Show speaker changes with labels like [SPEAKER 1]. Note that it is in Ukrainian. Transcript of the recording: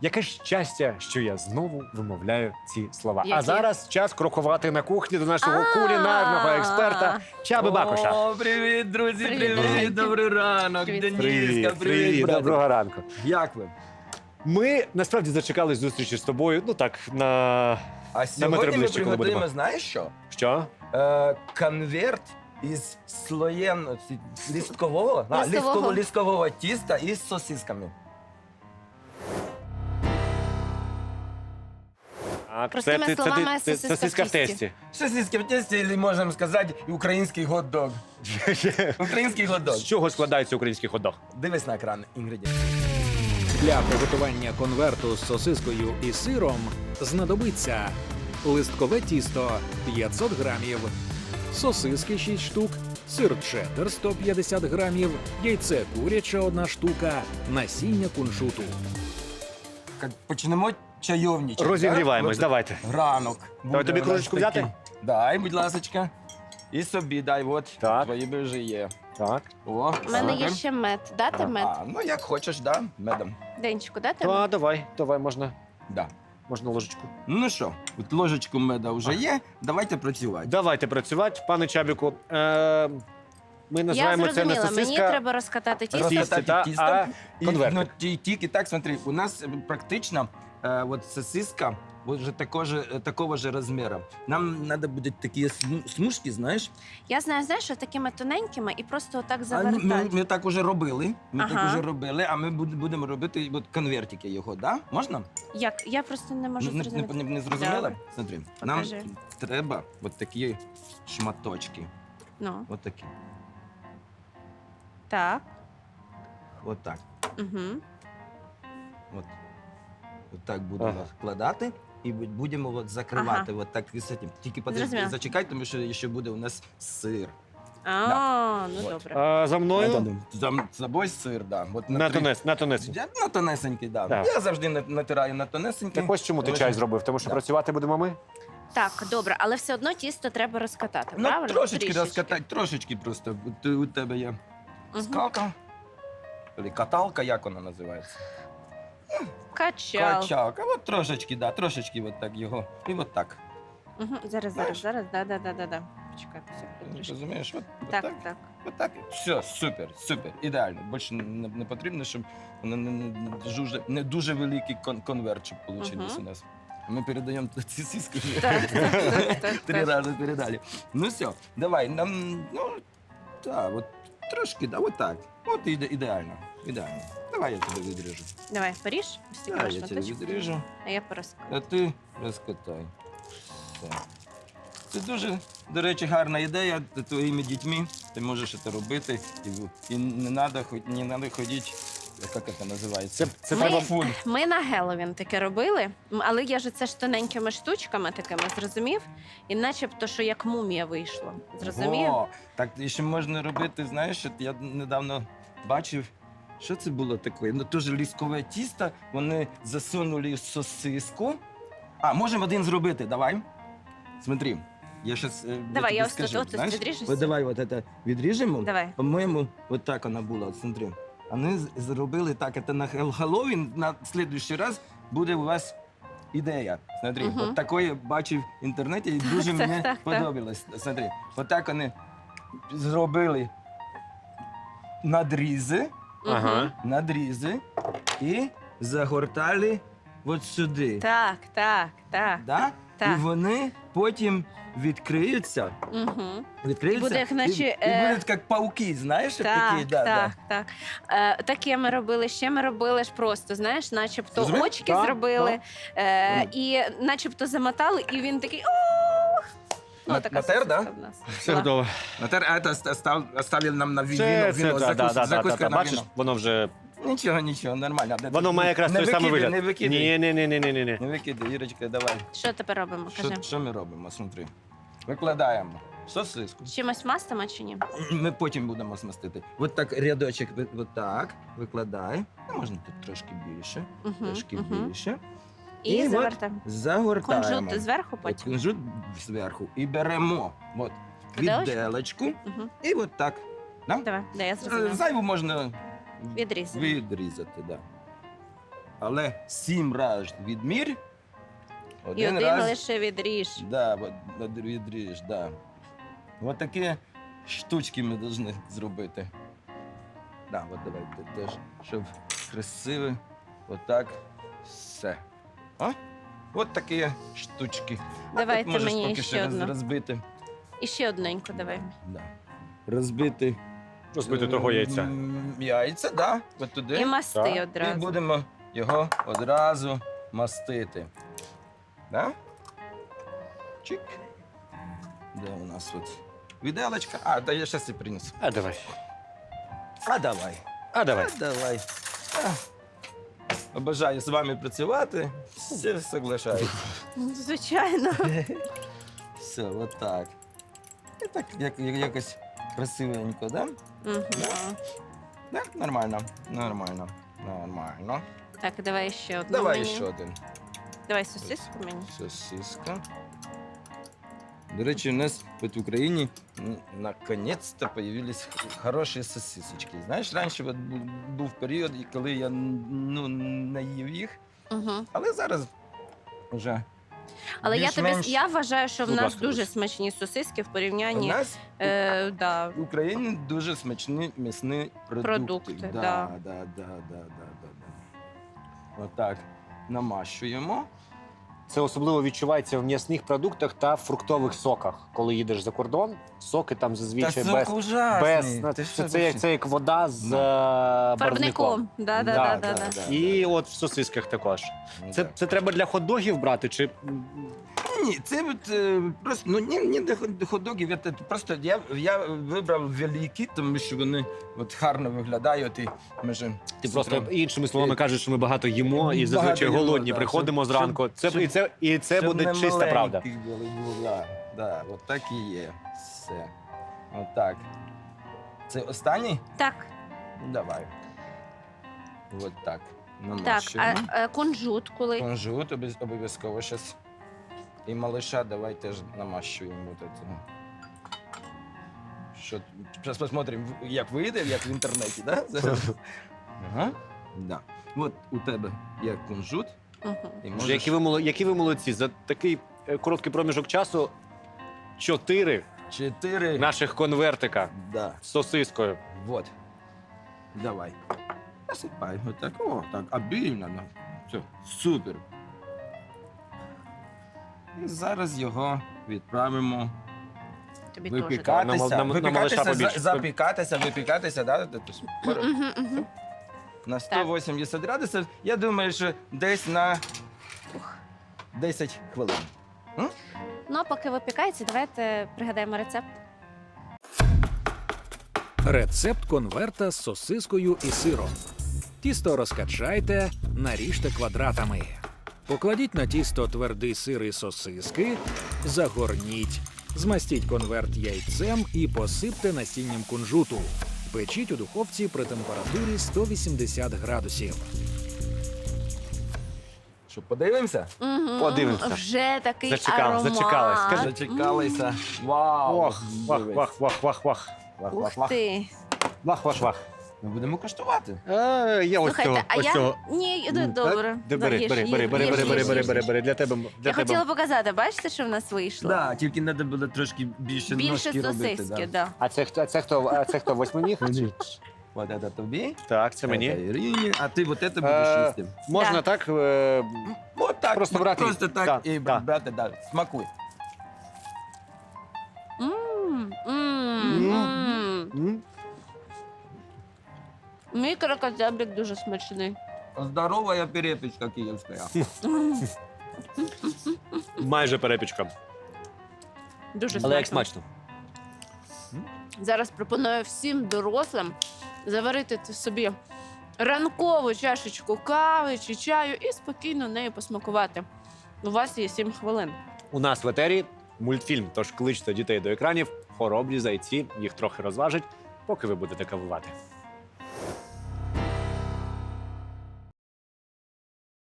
[SPEAKER 1] Яке щастя, що я знову вимовляю ці слова. А
[SPEAKER 2] Які?
[SPEAKER 1] зараз час крокувати на кухні до нашого кулінарного експерта Чаби Бакуша.
[SPEAKER 3] О, привіт, друзі,
[SPEAKER 2] Привіт.
[SPEAKER 3] привіт, добрий ранок,
[SPEAKER 2] Привіт.
[SPEAKER 3] Дениска, привіт, братик.
[SPEAKER 1] доброго ранку.
[SPEAKER 3] Як ви?
[SPEAKER 1] Ми насправді зачекали зустрічі з тобою. Ну так, на
[SPEAKER 3] А сьогодні ми
[SPEAKER 1] ближче, коли
[SPEAKER 3] приготуємо,
[SPEAKER 1] будемо.
[SPEAKER 3] знаєш що?
[SPEAKER 1] що?
[SPEAKER 3] Конверт із слоєм лісткового,
[SPEAKER 2] Листового.
[SPEAKER 3] лісткового тіста із сосисками.
[SPEAKER 1] Так,
[SPEAKER 2] Простими словами, сосиска в
[SPEAKER 1] сосиска в
[SPEAKER 2] тісті.
[SPEAKER 1] тесті.
[SPEAKER 3] Сосиски в тесті, або можемо сказати, український хот-дог. Український хот-дог.
[SPEAKER 1] З чого складається український хот-дог?
[SPEAKER 3] Дивись на екран інгредієнти.
[SPEAKER 4] Для приготування конверту з сосискою і сиром знадобиться листкове тісто 500 грамів, сосиски 6 штук, сир чеддер 150 грамів, яйце куряче 1 штука, насіння куншуту.
[SPEAKER 3] Почнемо чайовничати.
[SPEAKER 1] Розігріваємось,
[SPEAKER 3] да? От
[SPEAKER 1] давайте.
[SPEAKER 3] Ранок.
[SPEAKER 1] Давай тобі
[SPEAKER 3] Буде у нас
[SPEAKER 1] кружечку
[SPEAKER 3] такий.
[SPEAKER 1] взяти?
[SPEAKER 3] Дай, будь ласочка. І собі дай, от,
[SPEAKER 1] Так.
[SPEAKER 3] твої вже є.
[SPEAKER 1] Так.
[SPEAKER 3] О,
[SPEAKER 2] У мене є
[SPEAKER 3] супер.
[SPEAKER 2] ще мед. Дати мед?
[SPEAKER 3] А, ну як хочеш, да, медом.
[SPEAKER 2] Денчику, дати мед?
[SPEAKER 1] Та, давай, можна
[SPEAKER 3] Да.
[SPEAKER 1] ложечку.
[SPEAKER 3] Ну що, от ложечку меда вже є, давайте працювати.
[SPEAKER 1] Давайте працювати, пане Чабіку. Ми
[SPEAKER 2] Я
[SPEAKER 1] називаємо це не
[SPEAKER 2] зрозуміла, мені
[SPEAKER 1] сосиска.
[SPEAKER 2] треба розкатати тісто.
[SPEAKER 1] Тісто,
[SPEAKER 3] Розкатати
[SPEAKER 1] та,
[SPEAKER 3] тісто
[SPEAKER 1] а
[SPEAKER 3] І,
[SPEAKER 1] конвертик.
[SPEAKER 3] ну, тільки так, смотри, у нас практично от сосиска вже такого же розміру. Нам треба будуть такі смужки, знаєш?
[SPEAKER 2] Я знаю, що такими тоненькими і просто отак
[SPEAKER 3] А
[SPEAKER 2] завертати.
[SPEAKER 3] ми так уже робили.
[SPEAKER 2] Ага.
[SPEAKER 3] А ми будемо робити от конвертики його, да? Можна?
[SPEAKER 2] Як? Я просто не можу зрозуміти.
[SPEAKER 3] Не зрозуміла?
[SPEAKER 2] Давай.
[SPEAKER 3] Смотри,
[SPEAKER 2] Покажи.
[SPEAKER 3] нам треба от такі шматочки.
[SPEAKER 2] Ну,
[SPEAKER 3] От такі.
[SPEAKER 2] так.
[SPEAKER 3] От так.
[SPEAKER 2] Угу.
[SPEAKER 3] От. От так будемо
[SPEAKER 1] Ага.
[SPEAKER 3] вкладати і будемо от закривати от так з цим. Тільки подожди,
[SPEAKER 2] Зрозуміла.
[SPEAKER 3] зачекай, тому що ще буде у нас сир.
[SPEAKER 2] Ну
[SPEAKER 3] От.
[SPEAKER 2] добре.
[SPEAKER 1] А, за мною
[SPEAKER 3] З собою сир, да. От
[SPEAKER 1] на тонець.
[SPEAKER 3] Я на тонесенький, да.
[SPEAKER 1] Так.
[SPEAKER 3] Я завжди натираю на тонесенький.
[SPEAKER 1] Так ось чому ти
[SPEAKER 3] Тому
[SPEAKER 1] чай
[SPEAKER 3] що-
[SPEAKER 1] зробив, тому що
[SPEAKER 3] Да.
[SPEAKER 1] працювати будемо ми.
[SPEAKER 2] Так, добре, але все одно тісто треба розкатати,
[SPEAKER 3] Ну,
[SPEAKER 2] правильно?
[SPEAKER 3] трошечки розкатати, трошечки просто. У тебе є
[SPEAKER 2] Мгм.
[SPEAKER 3] скалка, або каталка, як вона називається?
[SPEAKER 2] Качал.
[SPEAKER 3] Качалка. От трошечки, да, трошечки от так його. І от так.
[SPEAKER 2] Угу. Зараз. Да. Почекай, все, трішки.
[SPEAKER 3] Розумієш? От
[SPEAKER 2] Так,
[SPEAKER 3] так.
[SPEAKER 2] так.
[SPEAKER 3] Отак. Все, супер, ідеально. Більше не потрібно, щоб воно не дуже великий конверт, щоб вийшло
[SPEAKER 2] Мгм.
[SPEAKER 3] у нас. Ми передаємо ці сіски.
[SPEAKER 2] Так.
[SPEAKER 3] Три рази передали. Ну все, давай, нам, ну, так, от трошки, да, от так. От ідеально. Давай я тебе відріжу.
[SPEAKER 2] Давай, поріж. Ось такі
[SPEAKER 3] Так, я тебе
[SPEAKER 2] шматочки.
[SPEAKER 3] відріжу,
[SPEAKER 2] А я порозкатаю.
[SPEAKER 3] а ти розкатай. Все. Це дуже, до речі, гарна ідея з твоїми дітьми. Ти можеш це робити. І не треба ходити, як це називається?
[SPEAKER 1] Це
[SPEAKER 2] Ми-
[SPEAKER 1] треба.
[SPEAKER 3] Фуль.
[SPEAKER 2] Ми на Геловін таке робили, але я ж це ж тоненькими штучками такими, зрозумів? І начебто, що як мумія вийшло. Зрозумів?
[SPEAKER 3] О, так і ще можна робити, знаєш, от я недавно бачив, що це було таке? Ну, теж ліскове тісто, вони засунули в сосиску. А, можемо один зробити, давай. Смотри, я щас
[SPEAKER 2] Давай, я ось
[SPEAKER 3] скажу,
[SPEAKER 2] тут
[SPEAKER 3] знаєш?
[SPEAKER 2] відріжу.
[SPEAKER 3] От давай от це відріжемо.
[SPEAKER 2] Давай.
[SPEAKER 3] По-моєму, от так вона була, от смотри. Вони зробили так, це на Хеллоуін, на слідуючий раз буде у вас ідея. Смотри,
[SPEAKER 2] Мгм.
[SPEAKER 3] от такої бачив в інтернеті і дуже
[SPEAKER 2] Так,
[SPEAKER 3] мені
[SPEAKER 2] так.
[SPEAKER 3] подобалось. Смотри, от так вони зробили надрізи,
[SPEAKER 1] Ага.
[SPEAKER 3] і загортали от сюди.
[SPEAKER 2] Так.
[SPEAKER 3] Да?
[SPEAKER 2] Так.
[SPEAKER 3] І вони потім відкриються.
[SPEAKER 2] Угу.
[SPEAKER 3] Відкриються,
[SPEAKER 2] І буде, як наче,
[SPEAKER 3] і будуть як пауки, знаєш, як такі.
[SPEAKER 2] Так. Таке ми робили, ще ми робили ж просто, знаєш, начебто
[SPEAKER 3] Зробив?
[SPEAKER 2] очки
[SPEAKER 1] Так,
[SPEAKER 2] зробили,
[SPEAKER 3] Мгм.
[SPEAKER 2] і начебто замотали, і він такий ох! Ну, така
[SPEAKER 3] Натер, да?
[SPEAKER 2] сосиска в нас.
[SPEAKER 1] Все
[SPEAKER 2] була.
[SPEAKER 1] готово.
[SPEAKER 3] Натер, оставили нам на
[SPEAKER 1] Це,
[SPEAKER 3] віно, закуска на
[SPEAKER 1] бачиш,
[SPEAKER 3] віно.
[SPEAKER 1] воно вже.
[SPEAKER 3] Нічого, нормально.
[SPEAKER 1] Воно має якраз той самий вигляд.
[SPEAKER 3] Не викидай.
[SPEAKER 1] Ні.
[SPEAKER 3] Не викидай, Ірочка, давай.
[SPEAKER 2] Що тепер робимо? Кажи.
[SPEAKER 3] Що ми робимо? Смотри. Викладаємо сосиску.
[SPEAKER 2] З чимось мастимо чи ні?
[SPEAKER 3] Ми потім будемо смастити. От так рядочок, от так, викладай. Ну, можна тут трошки більше, трошки більше.
[SPEAKER 2] І
[SPEAKER 3] от
[SPEAKER 2] завертаємо.
[SPEAKER 3] Загортаємо.
[SPEAKER 2] Кунжут зверху
[SPEAKER 3] От
[SPEAKER 2] потім.
[SPEAKER 3] кунжут зверху. І беремо от
[SPEAKER 2] Виделочку?
[SPEAKER 3] відделочку.
[SPEAKER 2] Угу.
[SPEAKER 3] І от так. Да?
[SPEAKER 2] Давай, я зрозуміла.
[SPEAKER 3] Зайву можна
[SPEAKER 2] Відрізати.
[SPEAKER 3] відрізати, да. але 7 разів відмір.
[SPEAKER 2] І один лише відріж.
[SPEAKER 3] Да, відріж, да. Ось такі штучки ми повинні зробити. Да, от давайте теж, щоб красиво. Отак. Все. А? От такі штучки.
[SPEAKER 2] Давайте
[SPEAKER 3] Можеш
[SPEAKER 2] мені
[SPEAKER 3] поки
[SPEAKER 2] ще одну.
[SPEAKER 3] розбити.
[SPEAKER 2] І ще одненьку давай.
[SPEAKER 3] Да. Розбити.
[SPEAKER 1] Розбити того яйця.
[SPEAKER 3] Яйця, так. Да. От туди.
[SPEAKER 2] І масти
[SPEAKER 1] Так.
[SPEAKER 3] І
[SPEAKER 2] одразу.
[SPEAKER 3] будемо його одразу мастити. Да? Чик. Де у нас от віделочка? А, та я зараз і принесу.
[SPEAKER 1] А давай.
[SPEAKER 3] А давай.
[SPEAKER 1] А давай.
[SPEAKER 3] А давай. А. Обожаю з вами працювати. Все соглашаюсь.
[SPEAKER 2] Ну, звичайно.
[SPEAKER 3] Все, от так. І так якось красивенько, да?
[SPEAKER 2] Мгм.
[SPEAKER 3] Да? Нормально. Нормально. Нормально.
[SPEAKER 2] Так, давай ще одну
[SPEAKER 3] Давай
[SPEAKER 2] мені.
[SPEAKER 3] ще один.
[SPEAKER 2] Давай сосиску мені.
[SPEAKER 3] Сосиска. До речі, у нас в Україні наконец-то появились хороші сосисочки. Знаєш, раніше от був період, коли я не їв їх,
[SPEAKER 2] Угу.
[SPEAKER 3] але зараз вже
[SPEAKER 2] Але
[SPEAKER 3] більш-менш
[SPEAKER 2] я вважаю, що в
[SPEAKER 1] Будь
[SPEAKER 2] нас
[SPEAKER 1] ласка,
[SPEAKER 2] дуже
[SPEAKER 1] Луч.
[SPEAKER 2] смачні сосиски в
[SPEAKER 3] у
[SPEAKER 2] порівнянні.
[SPEAKER 3] нас
[SPEAKER 2] Да.
[SPEAKER 3] в Україні дуже смачні м'ясні продукти.
[SPEAKER 2] Продукти,
[SPEAKER 3] да. Отак намащуємо.
[SPEAKER 1] Це особливо відчувається в м'ясних продуктах та фруктових соках. Коли їдеш за кордон, соки там зазвичай без.
[SPEAKER 3] ужасний.
[SPEAKER 1] Це як вода з барвником.
[SPEAKER 2] Фарбником. Да.
[SPEAKER 1] І от в сосисках також. Це треба для хот-догів брати, чи
[SPEAKER 3] Ні, це от, просто не до хот-догів. Просто я вибрав великі, тому що вони от гарно виглядають. І може,
[SPEAKER 1] ти просто іншими словами кажеш, що ми багато їмо і зазвичай
[SPEAKER 3] Багато їмо,
[SPEAKER 1] голодні
[SPEAKER 3] да,
[SPEAKER 1] приходимо
[SPEAKER 3] щоб-
[SPEAKER 1] зранку. І це
[SPEAKER 3] щоб
[SPEAKER 1] буде
[SPEAKER 3] не
[SPEAKER 1] чиста правда.
[SPEAKER 3] маленьких була. Да, от так і є. Все. От так. Це останній?
[SPEAKER 2] Так,
[SPEAKER 3] Давай. От так.
[SPEAKER 2] так.
[SPEAKER 3] Намащуємо.
[SPEAKER 2] А кунжут коли?
[SPEAKER 3] Кунжут обов'язково зараз. І малыша давай теж намащуємо. Вот это. Що, зараз посмотрим, як вийде, як в інтернеті, да? Ага. Да. От у тебе є кунжут.
[SPEAKER 2] Угу.
[SPEAKER 3] І
[SPEAKER 1] Боже, які ви молодці. За такий короткий проміжок часу 4
[SPEAKER 3] 4.
[SPEAKER 1] наших конвертика
[SPEAKER 3] Да.
[SPEAKER 1] з сосискою.
[SPEAKER 3] Вот. Давай. Насипай. Вот так. О, так, обильно. Ну. Все, супер. І зараз його відправимо
[SPEAKER 2] Тобі теж.
[SPEAKER 3] випікатися.
[SPEAKER 1] На малиша побільше.
[SPEAKER 3] Випікатися, да?
[SPEAKER 2] Угу.
[SPEAKER 3] На 180 градусів. Я думаю, що десь на 10 хвилин.
[SPEAKER 2] Ну, а поки випікається, давайте пригадаємо рецепт.
[SPEAKER 4] Рецепт конверта з сосискою і сиром. Тісто розкачайте, наріжте квадратами. Покладіть на тісто твердий сир і сосиски, загорніть. Змастіть конверт яйцем і посипте насінням кунжуту. Печіть у духовці при температурі 180 градусів.
[SPEAKER 3] Що, подивимося?
[SPEAKER 2] Угу.
[SPEAKER 1] Подивимося.
[SPEAKER 2] Вже такий аромат.
[SPEAKER 1] Зачекалась. Скажи.
[SPEAKER 3] Зачекалися. Вау!
[SPEAKER 1] Ох, вах.
[SPEAKER 2] Ух ти.
[SPEAKER 1] Вах.
[SPEAKER 3] Ми будемо коштувати.
[SPEAKER 1] Є ось цього.
[SPEAKER 2] Слухайте, а
[SPEAKER 1] Ось
[SPEAKER 2] я...
[SPEAKER 1] цього.
[SPEAKER 2] Ні, добре.
[SPEAKER 1] Бери,
[SPEAKER 2] Їж,
[SPEAKER 1] бери,
[SPEAKER 2] їж,
[SPEAKER 1] бери,
[SPEAKER 2] їж,
[SPEAKER 1] бери,
[SPEAKER 2] їж,
[SPEAKER 1] бери,
[SPEAKER 2] їж,
[SPEAKER 1] бери,
[SPEAKER 2] їж.
[SPEAKER 1] бери, бери, для тебе.
[SPEAKER 2] Я хотіла показати, бачите, що в нас вийшло?
[SPEAKER 3] Да, тільки треба було трошки більше
[SPEAKER 2] Більше
[SPEAKER 3] ножки робити.
[SPEAKER 2] сосиски,
[SPEAKER 3] Да.
[SPEAKER 2] да.
[SPEAKER 1] А це хто, восьминіг?
[SPEAKER 3] Вот это тобі.
[SPEAKER 1] Так, це мені.
[SPEAKER 3] Это Ірині, а ти вот это будеш їсти.
[SPEAKER 1] Можна
[SPEAKER 2] Да.
[SPEAKER 1] так?
[SPEAKER 3] Вот так,
[SPEAKER 1] Просто брати.
[SPEAKER 3] Просто так
[SPEAKER 1] Да,
[SPEAKER 3] і
[SPEAKER 1] да.
[SPEAKER 3] брати, да. Смакуй.
[SPEAKER 2] Мій крокодзябрик дуже смачний.
[SPEAKER 3] Здорова перепічка київська.
[SPEAKER 1] Майже перепічка.
[SPEAKER 2] Дуже
[SPEAKER 1] Але як
[SPEAKER 2] смачно.
[SPEAKER 1] смачно.
[SPEAKER 2] Зараз пропоную всім дорослим заварити собі ранкову чашечку кави чи чаю і спокійно нею посмакувати. У вас є 7 хвилин.
[SPEAKER 1] У нас в етері мультфільм, тож кличте дітей до екранів, хоробрі зайці, їх трохи розважить, поки ви будете кавувати.